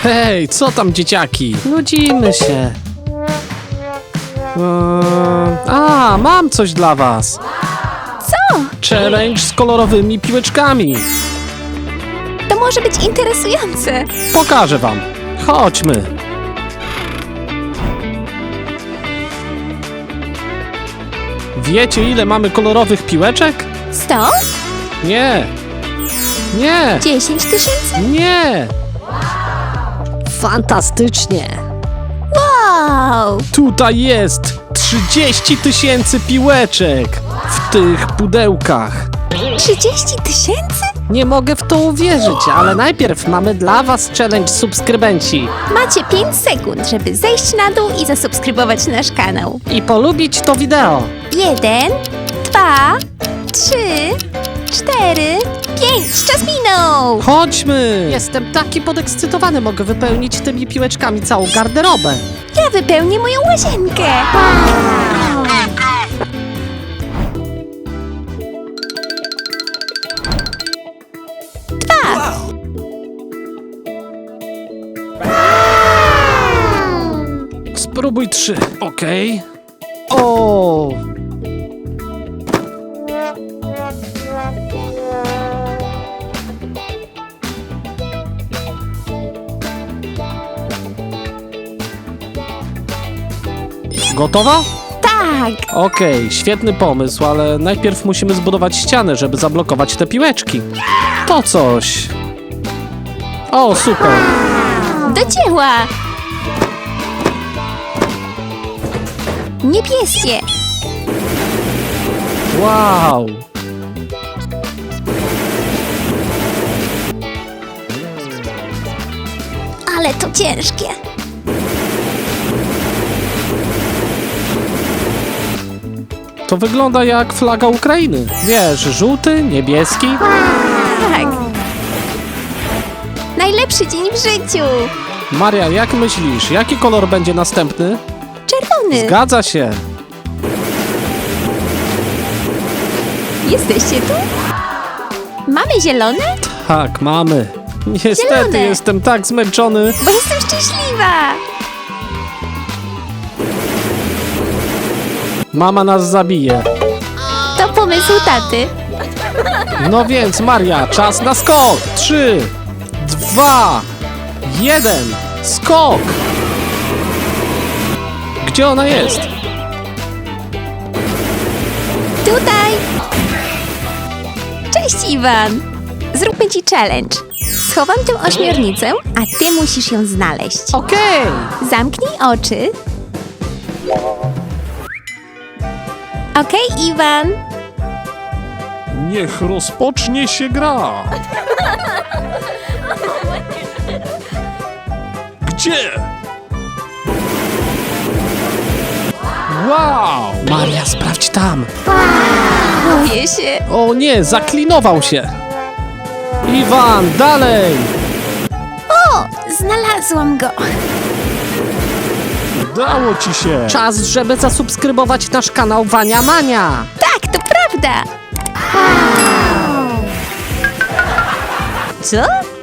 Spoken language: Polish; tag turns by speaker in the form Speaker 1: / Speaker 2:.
Speaker 1: Hej, co tam dzieciaki? Nudzimy się. Mam coś dla was.
Speaker 2: Co?
Speaker 1: Challenge z kolorowymi piłeczkami.
Speaker 2: To może być interesujące.
Speaker 1: Pokażę wam. Chodźmy. Wiecie, ile mamy kolorowych piłeczek?
Speaker 2: 100?
Speaker 1: Nie. Nie.
Speaker 2: 10 tysięcy?
Speaker 1: Nie.
Speaker 3: Fantastycznie!
Speaker 2: Wow!
Speaker 1: Tutaj jest 30 000 piłeczek w tych pudełkach.
Speaker 2: 30 tysięcy?
Speaker 3: Nie mogę w to uwierzyć, ale najpierw mamy dla was challenge subskrybenci
Speaker 2: Macie 5 sekund, żeby zejść na dół i zasubskrybować nasz kanał.
Speaker 3: i polubić to wideo.
Speaker 2: 1, 2, 3, 4, 5. Czas minął!
Speaker 1: Chodźmy.
Speaker 3: Jestem taki podekscytowany, mogę wypełnić tymi piłeczkami całą garderobę.
Speaker 2: Ja wypełnię moją łazienkę.
Speaker 1: Spróbuj 3. Okej. O! Gotowa?
Speaker 2: Tak!
Speaker 1: Okej, świetny pomysł, ale najpierw musimy zbudować ścianę, żeby zablokować te piłeczki. To coś. O, super.
Speaker 2: Do dzieła! Niebieskie!
Speaker 1: Wow.
Speaker 2: Ale to ciężkie!
Speaker 1: To wygląda jak flaga Ukrainy. Wiesz, żółty, niebieski.
Speaker 2: Tak! Najlepszy dzień w życiu!
Speaker 1: Maria, jak myślisz, jaki kolor będzie następny?
Speaker 2: Czerwony!
Speaker 1: Zgadza się.
Speaker 2: Jesteście tu? Mamy zielone?
Speaker 1: Tak, mamy. Niestety
Speaker 2: Zielone.
Speaker 1: jestem tak zmęczony.
Speaker 2: Bo jestem szczęśliwa!
Speaker 1: Mama nas zabije.
Speaker 2: To pomysł taty.
Speaker 1: No więc, Maria, czas na skok. 3, 2, 1. Skok! Gdzie ona jest?
Speaker 2: Tutaj! Cześć, Iwan! Zróbmy ci challenge. Schowam tę ośmiornicę, a ty musisz ją znaleźć.
Speaker 3: Okej!
Speaker 2: Zamknij oczy. Okej, Iwan.
Speaker 1: Niech rozpocznie się gra. Gdzie? Wow! Maria, sprawdź tam.
Speaker 2: Boję się.
Speaker 1: O nie, zaklinował się. Iwan, dalej!
Speaker 2: O, znalazłam go.
Speaker 1: Udało ci się.
Speaker 3: Czas, żeby zasubskrybować nasz kanał Wania Mania.
Speaker 2: Tak, to prawda.
Speaker 3: Co?